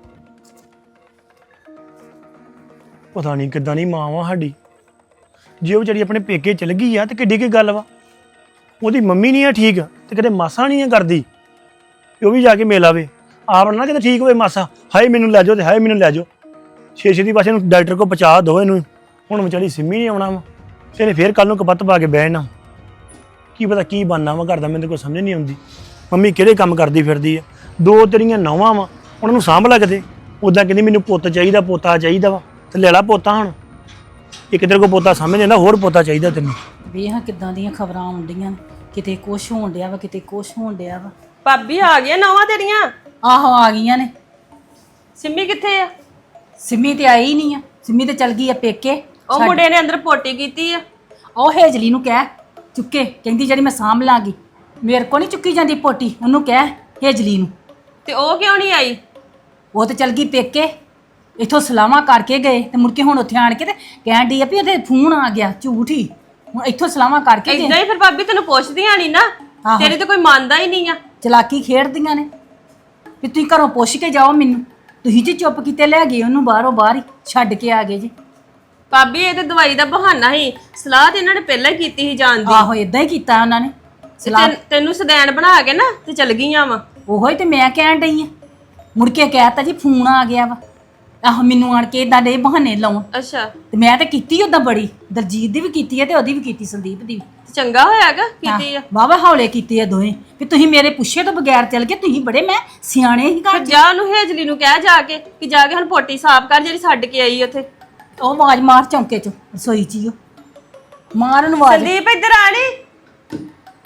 [SPEAKER 2] ਪਤਾ ਨਹੀਂ ਕਿੱਦਾਂ ਦੀ ਮਾਂ ਵਾ ਸਾਡੀ, ਜੇ ਉਹ ਵਿਚਾਰੀ ਆਪਣੇ ਪੇਕੇ ਚਲ ਗਈ ਆ ਤੇ ਕਿੱਡੀ ਕੀ ਗੱਲ ਵਾ। ਉਹਦੀ ਮੰਮੀ ਨਹੀਂ ਆ ਠੀਕ ਤੇ ਕਦੇ ਮਾਸਾ ਨਹੀਂ ਆ ਕਰਦੀ, ਉਹ ਵੀ ਜਾ ਕੇ ਮਿਲ ਆਵੇ। ਆਪ ਨਾ ਕਿਤੇ ਠੀਕ ਹੋਵੇ ਮਾਸਾ, ਹਾਏ ਮੈਨੂੰ ਲੈ ਜਾਓ ਤੇ ਹਾਏ ਮੈਨੂੰ ਲੈ ਜਾਓ। ਛੇ ਛੇ ਦੀ ਪਾਸੇ ਨੂੰ ਡਾਕਟਰ ਕੋਲ ਪਹੁੰਚਾ ਦੋ ਇਹਨੂੰ। ਹੁਣ ਵਿਚਾਰੀ ਸਿੰਮੀ ਨਹੀਂ ਆਉਣਾ ਵਾ, ਇਹਨੇ ਫੇਰ ਕੱਲ ਨੂੰ ਕਪੱਤ ਪਾ ਕੇ ਬਹਿਣਾ। ਕੀ ਪਤਾ ਕੀ ਬਣਨਾ ਵਾ ਘਰ ਦਾ, ਮੈਨੂੰ ਕੋਈ ਸਮਝ ਨਹੀਂ ਆਉਂਦੀ। ਮੰਮੀ ਕਿਹੜੇ ਕੰਮ ਕਰਦੀ ਫਿਰਦੀ ਆ। ਦੋ ਤੇਰੀਆਂ ਨੌਵਾਂ ਵਾ, ਉਹਨਾਂ ਨੂੰ ਸਾਂਭ ਲੱਗਦੇ। ਉੱਦਾਂ ਕਹਿੰਦੀ ਮੈਨੂੰ ਪੁੱਤ ਚਾਹੀਦਾ, ਪੋਤਾ ਚਾਹੀਦਾ ਵਾ, ਤੇ ਲੈ ਲਾ ਪੋਤਾ। ਹੁਣ ਇੱਕ ਤੇਰੇ ਕੋਲ ਪੋਤਾ ਸਮਝ ਜਾਂਦਾ, ਹੋਰ ਪੋਤਾ ਚਾਹੀਦਾ ਤੈਨੂੰ।
[SPEAKER 1] ਵੇਖ ਕਿੱਦਾਂ ਦੀਆਂ ਖਬਰਾਂ ਆਉਂਦੀਆਂ, ਕਿਤੇ ਕੁਛ ਹੋਣ ਡਿਆ ਵਾ, ਕਿਤੇ ਕੁਛ ਹੋਣ ਡਿਆ ਵਾ।
[SPEAKER 4] ਭਾਬੀ ਆ ਗਈਆਂ ਨੌਵਾਂ ਤੇਰੀਆਂ?
[SPEAKER 1] ਆਹੋ ਆ ਗਈਆਂ ਨੇ।
[SPEAKER 4] ਸਿੰਮੀ ਕਿੱਥੇ ਆ?
[SPEAKER 1] ਸਿੰਮੀ ਤੇ ਆਈ ਨਹੀਂ ਆ, ਸਿੰਮੀ ਤੇ ਚਲ ਗਈ ਆ ਪੇਕੇ।
[SPEAKER 4] ਉਹ ਮੁੰਡੇ ਨੇ ਅੰਦਰ ਪੋਟੀ ਕੀਤੀ ਆ।
[SPEAKER 1] ਉਹ ਹੇਜਲੀ ਨੂੰ ਕਹਿ ਚੁੱਕੇ, ਕਹਿੰਦੀ ਜਿਹੜੀ ਮੈਂ ਸਾਂਭ ਲਾਂਗੀ। ਮੇਰੇ ਕੋ ਨਹੀਂ ਚੁੱਕੀ ਜਾਂਦੀ ਪੋਟੀ, ਉਹਨੂੰ ਕਹਿ ਹੇਜਲੀ ਨੂੰ।
[SPEAKER 4] ਤੇ ਉਹ ਕਿਉਂ ਨਹੀਂ ਆਈ?
[SPEAKER 1] ਉਹ ਤੇ ਚਲ ਗਈ ਪੇਕੇ, ਇੱਥੋਂ ਸਲਾਹਾਂ ਕਰਕੇ ਗਏ ਤੇ ਮੁੜ ਕੇ ਹੁਣ ਉੱਥੇ ਆਣ ਕੇ ਤੇ ਕਹਿਣ ਡਈ ਆ ਵੀ ਉਹਦੇ ਫੋਨ ਆ ਗਿਆ। ਝੂਠ ਹੀ, ਹੁਣ ਇੱਥੋਂ ਸਲਾਹਾਂ ਕਰਕੇ ਗਏ।
[SPEAKER 4] ਇਦਾਂ ਹੀ ਫਿਰ ਭਾਬੀ ਤੈਨੂੰ ਪੁੱਛਦੀਆਂ ਨਹੀਂ ਨਾ,
[SPEAKER 1] ਆਹੋ।
[SPEAKER 4] ਤੇਰੀ ਤੇ ਕੋਈ ਮੰਨਦਾ ਹੀ ਨਹੀਂ ਆ।
[SPEAKER 1] ਚਲਾਕੀ ਖੇਡਦੀਆਂ ਨੇ ਵੀ ਤੁਸੀਂ ਘਰੋਂ ਪੁੱਛ ਕੇ ਜਾਓ ਮੈਨੂੰ। ਤੁਸੀਂ ਜੀ ਚੁੱਪ ਕੀਤੇ ਲੈ ਗਏ ਉਹਨੂੰ, ਬਾਹਰੋਂ ਬਾਹਰ ਹੀ ਛੱਡ ਕੇ ਆ ਗਏ ਜੀ।
[SPEAKER 4] ਭਾਬੀ ਇਹ ਤੇ ਦਵਾਈ ਦਾ ਬਹਾਨਾ ਹੀ, ਸਲਾਹ ਤੇ ਇਹਨਾਂ ਨੇ ਪਹਿਲਾਂ ਹੀ ਕੀਤੀ ਸੀ ਜਾਣ ਦੀ।
[SPEAKER 1] ਆਹੋ ਇਦਾਂ ਹੀ ਕੀਤਾ ਉਹਨਾਂ ਨੇ ਸਲਾਹ।
[SPEAKER 4] ਤੈਨ- ਤੈਨੂੰ ਸਦੈਣ ਬਣਾ ਕੇ ਨਾ ਤੇ ਚਲ ਗਈਆਂ ਵਾ।
[SPEAKER 1] ਉਹੋ ਹੀ ਤੇ ਮੈਂ ਕਹਿਣ ਡਈ ਆ। ਮੁੜ ਕੇ ਕਹਿਤਾ ਜੀ ਫੋਨ ਆ ਗਿਆ ਵਾ। ਆਹ ਮੈਨੂੰ ਆਣ ਕੇ ਇਦਾਂ ਦੇ ਬਹਾਨੇ ਲਾਉਣ।
[SPEAKER 4] ਅੱਛਾ
[SPEAKER 1] ਤੇ ਮੈਂ ਤਾਂ ਕੀਤੀ ਉਦਾਂ ਬੜੀ, ਦਲਜੀਤ ਦੀ ਵੀ ਕੀਤੀ ਹੈ ਤੇ ਉਹਦੀ ਵੀ ਕੀਤੀ, ਸੰਦੀਪ ਦੀ ਵੀ।
[SPEAKER 4] ਤੇ ਚੰਗਾ ਹੋਇਆਗਾ ਕੀਤੀ ਆ।
[SPEAKER 1] ਵਾਵਾ ਹੌਲੇ ਕੀਤੇ ਆ ਦੋਵੇਂ ਵੀ ਤੁਸੀਂ ਮੇਰੇ ਪੁੱਛੇ ਤੋਂ ਬਗੈਰ ਚੱਲ ਗਏ। ਤੁਸੀਂ ਬੜੇ ਮੈਂ ਸਿਆਣੇ ਹੀ
[SPEAKER 4] ਫਿਰ
[SPEAKER 1] ਘਰ।
[SPEAKER 4] ਜਾ ਉਹਨੂੰ ਹੇਜਲੀ ਨੂੰ ਕਹਿ ਜਾ ਕੇ ਕਿ ਜਾ ਕੇ ਹੁਣ ਪੋਟੀ ਸਾਫ਼ ਕਰ ਜਿਹੜੀ ਛੱਡ ਕੇ ਆਈ ਉੱਥੇ।
[SPEAKER 1] ਉਹ ਆਵਾਜ਼ ਮਾਰ ਚੌਂਕੇ ਚ, ਰਸੋਈ ਚ ਹੀ ਉਹ ਮਾਰ ਉਹਨੂੰ ਆਵਾਜ਼।
[SPEAKER 4] ਸੰਦੀਪ ਇੱਧਰ ਆ ਨੀ।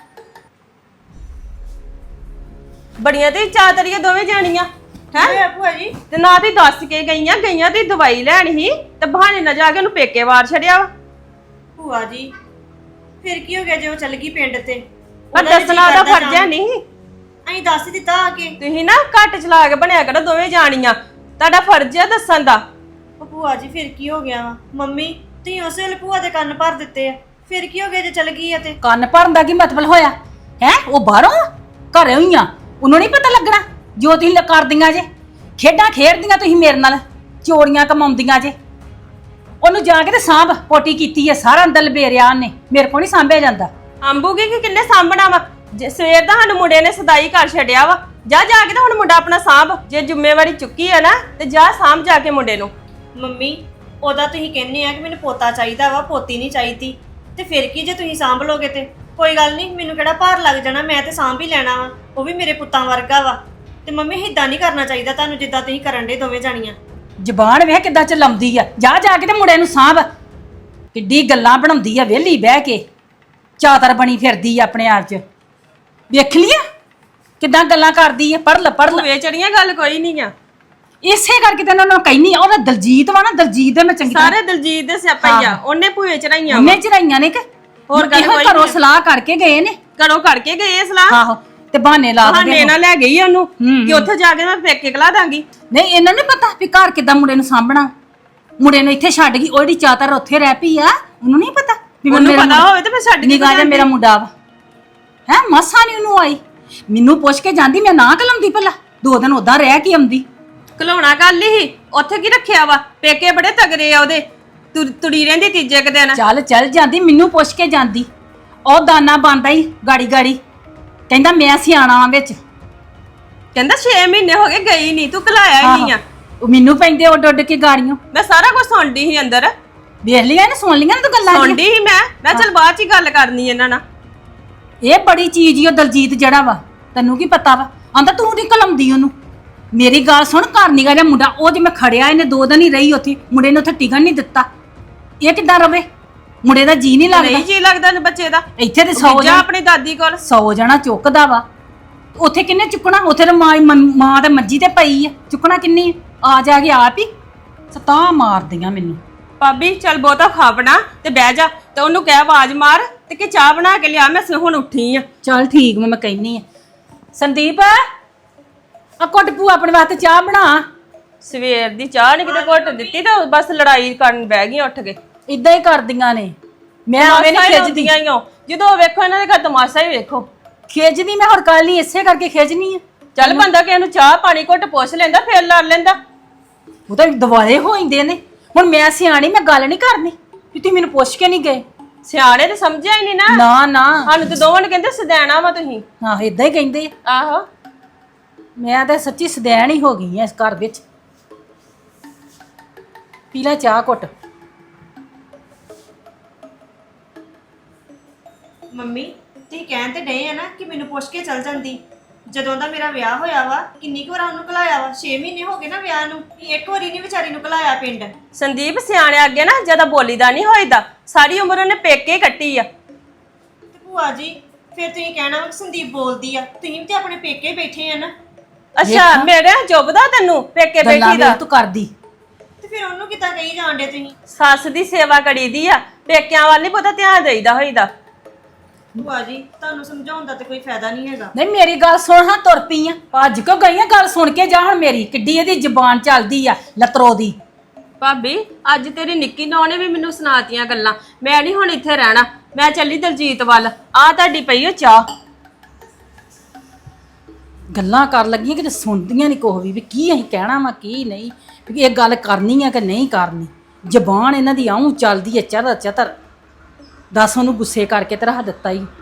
[SPEAKER 4] ਬੜੀਆਂ ਤੇ ਚਾਤਰੀਆਂ ਦੋਵੇਂ ਜਾਣੀਆਂ ਹੈ।
[SPEAKER 3] ਹੈ ਭੂਆ ਜੀ।
[SPEAKER 4] ਤੇ ਨਾ ਤੇ ਦੱਸ ਕੇ ਗਈਆਂ ਗਈਆਂ ਤੇ ਦਵਾਈ ਲੈਣ ਹੀ ਤੇ ਬਹਾਨੇ ਨਾਲ ਜਾ ਕੇ ਉਹਨੂੰ ਪੇਕੇ ਵਾਰ ਛੱਡਿਆ ਵਾ।
[SPEAKER 3] ਭੂਆ ਜੀ ਫਿਰ ਕੀ ਹੋ ਗਿਆ ਜੇ ਉਹ ਚੱਲ ਗਈ ਪਿੰਡ ਤੇ?
[SPEAKER 4] ਪਰ
[SPEAKER 3] ਉਹਦਾ ਵੀ
[SPEAKER 4] ਦੱਸਣਾ
[SPEAKER 3] ਜੀਅ
[SPEAKER 4] ਦਾ
[SPEAKER 3] ਕਰਦਾ
[SPEAKER 4] ਫਰਜ਼ ਹੈ
[SPEAKER 3] ਜਾਣ।
[SPEAKER 4] ਨਹੀਂ।
[SPEAKER 3] ਅਸੀਂ ਦੱਸ ਹੀ ਦਿੱਤਾ ਆ ਕੇ।
[SPEAKER 4] ਤੁਸੀਂ ਨਾ ਘੱਟ ਚਲਾ ਕੇ ਬਣਿਆ ਕਰੋ ਦੋਵੇਂ ਜਾਣੀਆਂ, ਤੁਹਾਡਾ ਫਰਜ਼ ਹੈ ਦੱਸਣ ਦਾ।
[SPEAKER 3] ਉਹ ਭੂਆ ਜੀ ਫਿਰ ਕੀ ਹੋ ਗਿਆ ਵਾ? ਮੰਮੀ ਤੁਸੀਂ ਉਸੇ ਵੇਲੇ ਭੂਆ ਦੇ ਕੰਨ ਭਰ ਦਿੱਤੇ ਆ, ਫਿਰ ਕੀ ਹੋ ਗਿਆ ਜੇ ਚੱਲ ਗਈ ਆ ਤੇ?
[SPEAKER 1] ਕੰਨ ਭਰਨ ਦਾ ਕੀ ਮਤਲਬ ਹੋਇਆ ਹੈ? ਉਹ ਬਾਹਰੋਂ ਘਰੇ ਹੀ ਆ, ਉਹਨੂੰ ਨਹੀਂ ਪਤਾ ਲੱਗਣਾ ਜੋ ਤੁਸੀਂ ਲ- ਕਰਦੀਆਂ ਜੇ। ਖੇਡਾਂ ਖੇਡਦੀਆਂ ਤੁਸੀਂ ਮੇਰੇ ਨਾਲ, ਚੋਰੀਆਂ ਕਮਾਉਂਦੀਆਂ ਜੇ। ਉਹਨੂੰ ਜਾ ਕੇ ਤੇ ਸਾਂਭ, ਪੋਟੀ ਕੀਤੀ ਹੈ, ਸਾਰਾ ਅੰਦਰ ਲਬੇਰਿਆ ਉਹਨੇ, ਮੇਰੇ ਕੋਲ ਨਹੀਂ ਸਾਂਭਿਆ ਜਾਂਦਾ।
[SPEAKER 4] ਅੰਬੂਗੀ ਕਿ ਕਿੰਨੇ ਸਾਂਭਣਾ ਵਾ? ਜੇ ਸਵੇਰ ਦਾ ਸਾਨੂੰ ਮੁੰਡੇ ਨੇ ਸਦਾਈ ਕਰ ਛੱਡਿਆ ਵਾ, ਜਾ ਜਾ ਕੇ ਤਾਂ ਹੁਣ ਮੁੰਡਾ ਆਪਣਾ ਸਾਂਭ। ਜੇ ਜ਼ਿੰਮੇਵਾਰੀ ਚੁੱਕੀ ਹੈ ਨਾ ਤੇ ਜਾ ਸਾਂਭ ਜਾ ਕੇ ਮੁੰਡੇ ਨੂੰ।
[SPEAKER 3] ਮੰਮੀ ਉਹਦਾ ਤੁਸੀਂ ਕਹਿੰਦੇ ਆ ਕਿ ਮੈਨੂੰ ਪੋਤਾ ਚਾਹੀਦਾ ਵਾ, ਪੋਤੀ ਨਹੀਂ ਚਾਹੀਦੀ, ਤੇ ਫਿਰ ਕੀ ਜੇ ਤੁਸੀਂ ਸਾਂਭ ਲੋਗੇ ਤੇ? ਕੋਈ ਗੱਲ ਨਹੀਂ, ਮੈਨੂੰ ਕਿਹੜਾ ਭਾਰ ਲੱਗ ਜਾਣਾ, ਮੈਂ ਤੇ ਸਾਂਭ ਹੀ ਲੈਣਾ ਵਾ, ਉਹ ਵੀ ਮੇਰੇ ਪੁੱਤਾਂ ਵਰਗਾ ਵਾ। ਤੇ ਮੰਮੀ ਏਦਾਂ ਨਹੀਂ ਕਰਨਾ ਚਾਹੀਦਾ ਤੁਹਾਨੂੰ ਜਿੱਦਾਂ ਤੁਸੀਂ ਕਰਨ ਦੇ ਦੋਵੇਂ ਜਾਣੀਆਂ।
[SPEAKER 1] ਜ਼ਬਾਨ ਵੇਖ ਕਿੱਦਾਂ ਚਲਾਉਂਦੀ ਆ। ਜਾ ਜਾ ਕੇ ਤੇ ਮੁੰਡੇ ਨੂੰ ਸਾਂਭ। ਕਿੱਡੀ ਗੱਲਾਂ ਬਣਾਉਂਦੀ ਆ ਵਿਹਲੀ ਬਹਿ ਕੇ, ਚਾਦਰ ਬਣੀ ਫਿਰਦੀ ਆ ਆਪਣੇ ਆਪ 'ਚ। ਵੇਖ ਲਿਆ ਕਿੱਦਾਂ ਗੱਲਾਂ ਕਰਦੀ ਆ। ਪੜ ਲੈ ਪੜ ਲੈ।
[SPEAKER 4] ਭੂਏ ਚੜੀਆਂ ਗੱਲ ਕੋਈ ਨਹੀਂ ਆ।
[SPEAKER 1] ਇਸੇ ਕਰਕੇ ਤੇ ਉਹਨਾਂ ਨੂੰ ਕਹਿਨੀ ਆ, ਉਹਦਾ ਦਲਜੀਤ ਵਾ ਨਾ, ਦਲਜੀਤ ਦੇ ਮੈਂ ਚੰਗੀ ਤਰ੍ਹਾਂ-
[SPEAKER 4] ਸਾਰੇ ਦਲਜੀਤ ਦੇ ਸਿਆਪਾ ਹੀ ਆ। ਉਹਨੇ ਭੂਏ ਚੜਾਈਆਂ
[SPEAKER 1] ਉਹਨੇ ਚੜਾਈਆਂ ਨੇ ਕਿ
[SPEAKER 4] ਹੋਰ ਗੱਲ
[SPEAKER 1] ਇਹੋ
[SPEAKER 4] ਕੋਈ
[SPEAKER 1] ਘਰੋਂ
[SPEAKER 4] ਨਹੀਂ।
[SPEAKER 1] ਸਲਾਹ ਕਰਕੇ ਗਏ ਨੇ।
[SPEAKER 4] ਘਰੋਂ ਕਰਕੇ ਗਏ ਇਹ ਸਲਾਹ।
[SPEAKER 1] ਆਹੋ ਤੇ ਬਹਾਨੇ ਲਾ
[SPEAKER 4] ਬਹਾਨੇ
[SPEAKER 1] ਦਿੰਦੇ
[SPEAKER 4] ਨਾਲ ਲੈ ਗਈ ਆ ਉਹਨੂੰ
[SPEAKER 1] ਹੂੰ,
[SPEAKER 4] ਕਿ ਉੱਥੇ ਜਾ ਕੇ ਮੈਂ ਪੇਕੇ ਕਲਾ ਦਾਂਗੀ।
[SPEAKER 1] ਨਹੀਂ ਇਹਨਾਂ ਨੂੰ ਪਤਾ ਵੀ ਘਰ ਕਿੱਦਾਂ ਮੁੰਡੇ ਨੂੰ ਸਾਂਭਣਾ। ਮੁੰਡੇ ਨੂੰ ਇੱਥੇ ਛੱਡ ਗਈ, ਉਹਦੀ ਚਾਦਰ ਉੱਥੇ ਰਹਿ ਪਈ ਆ। ਉਹਨੂੰ ਨਹੀਂ ਪਤਾ ਵੀ ਮੈਂ
[SPEAKER 4] ਉਹਨੂੰ
[SPEAKER 1] ਮੇਰਾ
[SPEAKER 4] ਪਤਾ ਹੋਵੇ ਤੇ ਮੈਂ ਛੱਡ ਕੇ
[SPEAKER 1] ਨਿਗਾਹ ਜੇ ਮੇਰਾ ਮੁੰਡਾ ਵਾ ਹੈ। ਮਸਾਂ ਨਹੀਂ ਉਹਨੂੰ ਆਈ। ਮੈਨੂੰ ਪੁੱਛ ਕੇ ਜਾਂਦੀ, ਮੈਂ ਨਾ ਕਲਮਦੀ ਭਲਾ। ਦੋ ਦਿਨ ਉਦਾਂ ਰਹਿ ਕੇ ਆਉਂਦੀ।
[SPEAKER 4] ਘਲਾਉਣਾ ਗੱਲ ਹੀ ਉੱਥੇ ਕੀ ਰੱਖਿਆ ਵਾ। ਪੇਕੇ ਬੜੇ ਤਗੜੇ ਆ ਉਹਦੇ, ਤੁਰ- ਤੁਰੀ ਰਹਿੰਦੀ ਤੀਜੇ ਕੁ ਦਿਨ।
[SPEAKER 1] ਚੱਲ ਚੱਲ ਜਾਂਦੀ, ਮੈਨੂੰ ਪੁੱਛ ਕੇ ਜਾਂਦੀ। ਉਹ ਦਾਨਾ ਬੰਦਾ ਹੀ ਗਾੜੀ ਗਾੜੀ ਕਹਿੰਦਾ ਮੈਂ ਸਿਆਣਾ ਵਾਂ ਵਿੱਚ।
[SPEAKER 4] ਕਹਿੰਦਾ ਛੇ ਮਹੀਨੇ ਹੋ ਗਏ ਗਈ ਨਹੀਂ, ਤੂੰ ਘਲਾਇਆ ਹੀ ਨਹੀਂ ਆ।
[SPEAKER 1] ਉਹ ਮੈਨੂੰ ਪੈਂਦੇ ਉੱਡ ਉੱਡ ਕੇ ਗਾੜੀਆਂ।
[SPEAKER 4] ਮੈਂ ਸਾਰਾ ਕੁਝ ਸੁਣਦੀ ਸੀ ਅੰਦਰ,
[SPEAKER 1] ਵੇਖ ਲਿਆ ਨਾ, ਸੁਣ ਲਿਆ ਨਾ ਤੂੰ ਗੱਲਾਂ
[SPEAKER 4] ਸੁਣਦੀ ਸੀ ਮੈਂ ਮੈਂ ਚੱਲ ਬਾਅਦ ਚ ਹੀ ਗੱਲ ਕਰਨੀ ਇਹਨਾਂ ਨਾਲ।
[SPEAKER 1] ਇਹ ਬੜੀ ਚੀਜ਼ ਈ ਉਹ ਦਲਜੀਤ ਜਿਹੜਾ ਵਾ। ਤੈਨੂੰ ਕੀ ਪਤਾ ਵਾ? ਆਂਦਾ ਤੂੰ ਨਹੀਂ ਕਲਮਦੀ ਉਹਨੂੰ। ਮੇਰੀ ਗੱਲ ਸੁਣ, ਘਰ ਨਿਕਾ ਜਾ ਮੁੰਡਾ। ਉਹ ਜੇ ਮੈਂ ਖੜਿਆ, ਇਹਨੇ ਦੋ ਦਿਨ ਹੀ ਰਹੀ ਉੱਥੇ। ਮੁੰਡੇ ਨੂੰ ਉੱਥੇ ਟਿਕਣ ਨਹੀਂ ਦਿੱਤਾ। ਇਹ ਕਿੱਦਾਂ ਰਵੇ? ਮੁੰਡੇ ਦਾ ਜੀ ਨਹੀਂ ਲੱਗਦਾ।
[SPEAKER 4] ਨਹੀਂ ਜੀ ਲੱਗਦਾ ਬੱਚੇ ਦਾ।
[SPEAKER 1] ਇੱਥੇ ਤੇ ਸੌ
[SPEAKER 4] ਜਾ
[SPEAKER 1] ਜਣਾ
[SPEAKER 4] ਆਪਣੀ ਦਾਦੀ ਕੋਲ।
[SPEAKER 1] ਸੌ ਜਣਾ ਚੁੱਕਦਾ ਵਾ। ਉੱਥੇ ਕਿੰਨੇ ਚੁੱਕਣਾ? ਉੱਥੇ ਤਾਂ ਮਾਂ ਮਾਂ ਤੇ ਮੰਜੀ ਤੇ ਪਈ ਆ। ਚੁੱਕਣਾ ਕਿੰਨੀ ਆ? ਜਾ ਕੇ ਆਪ ਹੀ ਸਤਾ ਮਾਰਦੀਆਂ ਮੈਨੂੰ।
[SPEAKER 4] ਭਾਬੀ ਚੱਲ ਬਹੁਤਾ ਖਾ ਬਣਾ ਤੇ ਬਹਿ ਜਾ, ਤੇ ਉਹਨੂੰ ਕਹਿ ਆਵਾਜ਼ ਮਾਰ ਤੇ ਕਿ ਚਾਹ ਬਣਾ ਕੇ ਲਿਆ, ਮੈਂ ਹੁਣ ਉੱਠੀ ਆ।
[SPEAKER 1] ਚੱਲ ਠੀਕ, ਮੈਂ ਮੈਂ ਕਹਿਨੀ ਆ। ਸੰਦੀਪ ਆ ਕੁੱਟ ਪੂ ਆਪਣੇ ਵਾਸਤੇ ਚਾਹ ਬਣਾ।
[SPEAKER 4] ਸਵੇਰ ਦੀ ਚਾਹ ਨਹੀਂ ਕਿਤੇ ਘੁੱਟ ਦਿੱਤੀ ਤਾਂ ਬਸ ਲੜਾਈ ਕਰਨ ਬਹਿ ਗਈ ਉੱਠ ਕੇ।
[SPEAKER 1] ਇਦਾਂ ਹੀ ਕਰਦੀਆਂ ਨੇ। ਮੈਂ ਆਵੇਂ ਨਹੀਂ ਖਿੱਚਦੀ।
[SPEAKER 4] ਜਦੋਂ ਵੇਖੋ ਇਹਨਾਂ ਦੇ ਘਰ ਤਮਾਸ਼ਾ ਹੀ ਵੇਖੋ।
[SPEAKER 1] ਖਿੱਚਦੀ ਮੈਂ ਹੁਣ ਕੱਲ ਨਹੀਂ, ਇਸੇ ਕਰਕੇ ਖਿੱਚਣੀ ਆ।
[SPEAKER 4] ਚੱਲ ਬੰਦਾ ਕਿ ਇਹਨੂੰ ਚਾਹ ਪਾਣੀ ਘੁੱਟ ਪੁੱਛ ਲੈਂਦਾ, ਫੇਰ ਲੜ ਲੈਂਦਾ।
[SPEAKER 1] ਉਹ ਤਾਂ ਦਿਵਾਲੇ ਹੋ ਜਾਂਦੇ ਨੇ। ਹੁਣ ਮੈਂ ਸਿਆਣੀ, ਮੈਂ ਗੱਲ ਨਹੀਂ ਕਰਨੀ ਵੀ ਤੁਸੀਂ ਮੈਨੂੰ ਪੁੱਛ ਕੇ ਨਹੀਂ ਗਏ।
[SPEAKER 4] ਸਿਆਣੇ ਤੇ ਸਮਝਿਆ ਹੀ ਨਹੀਂ ਨਾ।
[SPEAKER 1] ਨਾ ਨਾ,
[SPEAKER 4] ਸਾਨੂੰ ਤੇ ਦੋਵਾਂ ਨੂੰ ਕਹਿੰਦੇ ਸਦੈਣਾ ਵਾ ਤੁਸੀਂ।
[SPEAKER 1] ਆਹ ਇਦਾਂ ਹੀ ਕਹਿੰਦੇ ਆ।
[SPEAKER 4] ਆਹੋ
[SPEAKER 1] ਮੈਂ ਤਾਂ ਸੱਚੀ ਸਦੈਣ ਹੀ ਹੋ ਗਈ ਆ ਇਸ ਘਰ ਵਿੱਚ। ਪੀ ਲੈ ਚਾਹ ਘੁੱਟ।
[SPEAKER 3] ਮੰਮੀ ਤੁਸੀਂ ਕਹਿਣ ਤੇ ਡਏ ਆ ਨਾ ਕਿ ਮੈਨੂੰ ਪੁੱਛ ਕੇ ਚੱਲ ਜਾਂਦੀ। ਜਦੋਂ ਦਾ ਮੇਰਾ ਵਿਆਹ ਹੋਇਆ ਵਾ ਕਿੰਨੀ ਕੁ ਵਾਰ ਉਹਨੂੰ ਘਲਾਇਆ ਵਾ। ਛੇ ਮਹੀਨੇ ਹੋ ਗਏ ਨਾ ਵਿਆਹ ਨੂੰ, ਇੱਕ ਵਾਰੀ ਨਹੀਂ ਵਿਚਾਰੀ ਨੂੰ ਘਲਾਇਆ ਪਿੰਡ।
[SPEAKER 4] ਸੰਦੀਪ ਸਿਆਣੇ ਅੱਗੇ ਨਾ ਜਿਆਦਾ ਬੋਲੀਦਾ ਨਹੀਂ ਹੋਈਦਾ। ਸਾਰੀ ਉਮਰ ਉਹਨੇ ਪੇਕੇ ਕੱਟੀ ਆ।
[SPEAKER 3] ਤੇ ਭੂਆ ਜੀ ਫਿਰ ਤੁਸੀਂ ਕਹਿਣਾ ਵਾ ਕਿ ਸੰਦੀਪ ਬੋਲਦੀ ਆ। ਤੁਸੀਂ ਵੀ ਤੇ ਆਪਣੇ ਪੇਕੇ ਬੈਠੇ ਆ ਨਾ।
[SPEAKER 4] ਅੱਛਾ ਮੇਰੇ ਜੁਬਦਾ ਤੈਨੂੰ ਪੇਕੇ
[SPEAKER 1] ਗੱਲਾਂ
[SPEAKER 4] ਬੈਠੀ ਦਾ।
[SPEAKER 1] ਵੇਖ ਤੂੰ ਕਰਦੀ।
[SPEAKER 3] ਤੇ ਫਿਰ ਉਹਨੂੰ ਕਿੱਦਾਂ ਕਹੀ ਜਾਂਦੇ ਤੁਸੀਂ?
[SPEAKER 4] ਸੱਸ ਦੀ ਸੇਵਾ ਕਰੀਦੀ ਆ, ਪੇਕਿਆਂ ਵੱਲ ਨਹੀਂ ਪਤਾ ਧਿਆਨ ਦੇਈਦਾ ਹੋਈਦਾ।
[SPEAKER 3] ਭੂਆ ਜੀ ਤੁਹਾਨੂੰ ਸਮਝਾਉਣ ਦਾ ਤੇ ਕੋਈ ਫਾਇਦਾ ਨਹੀਂ ਹੈਗਾ।
[SPEAKER 1] ਨਹੀਂ ਮੇਰੀ ਗੱਲ ਸੁਣ, ਹਾਂ ਤੁਰ ਪਈ ਆ। ਭੱਜ ਕਿਉਂ ਗਈ ਆ? ਗੱਲ ਸੁਣ ਕੇ ਜਾ। ਹੁਣ ਮੇਰੀ ਕਿੱਡੀ ਇਹਦੀ ਜ਼ੁਬਾਨ ਚੱਲਦੀ ਆ ਲਤਰੋ ਦੀ।
[SPEAKER 4] ਭਾਬੀ ਅੱਜ ਤੇਰੀ ਨਿੱਕੀ ਨੌਂ ਨੇ ਵੀ ਮੈਨੂੰ ਸੁਣਾਤੀਆਂ ਗੱਲਾਂ। ਮੈਂ ਨਹੀਂ ਹੁਣ ਇੱਥੇ ਰਹਿਣਾ, ਮੈਂ ਚੱਲੀ ਦਲਜੀਤ ਵੱਲ। ਆ ਤੁਹਾਡੀ ਪਈ ਓ ਚਾਹ।
[SPEAKER 1] ਗੱਲਾਂ ਕਰ ਲੱਗੀਆਂ ਕਿਤੇ ਸੁਣਦੀਆਂ ਨਹੀਂ ਕੁਛ ਵੀ ਵੀ ਕੀ ਅਸੀਂ ਕਹਿਣਾ ਵਾ ਕੀ ਨਹੀਂ, ਵੀ ਇਹ ਗੱਲ ਕਰਨੀ ਆ ਕਿ ਨਹੀਂ ਕਰਨੀ। ਜ਼ਬਾਨ ਇਹਨਾਂ ਦੀ ਆਉਂ ਚੱਲਦੀ ਹੈ ਚਤਰ ਚਤਰ। ਦੱਸ ਉਹਨੂੰ ਗੁੱਸੇ ਕਰਕੇ ਤੇ ਰੱਖ ਦਿੱਤਾ ਹੀ।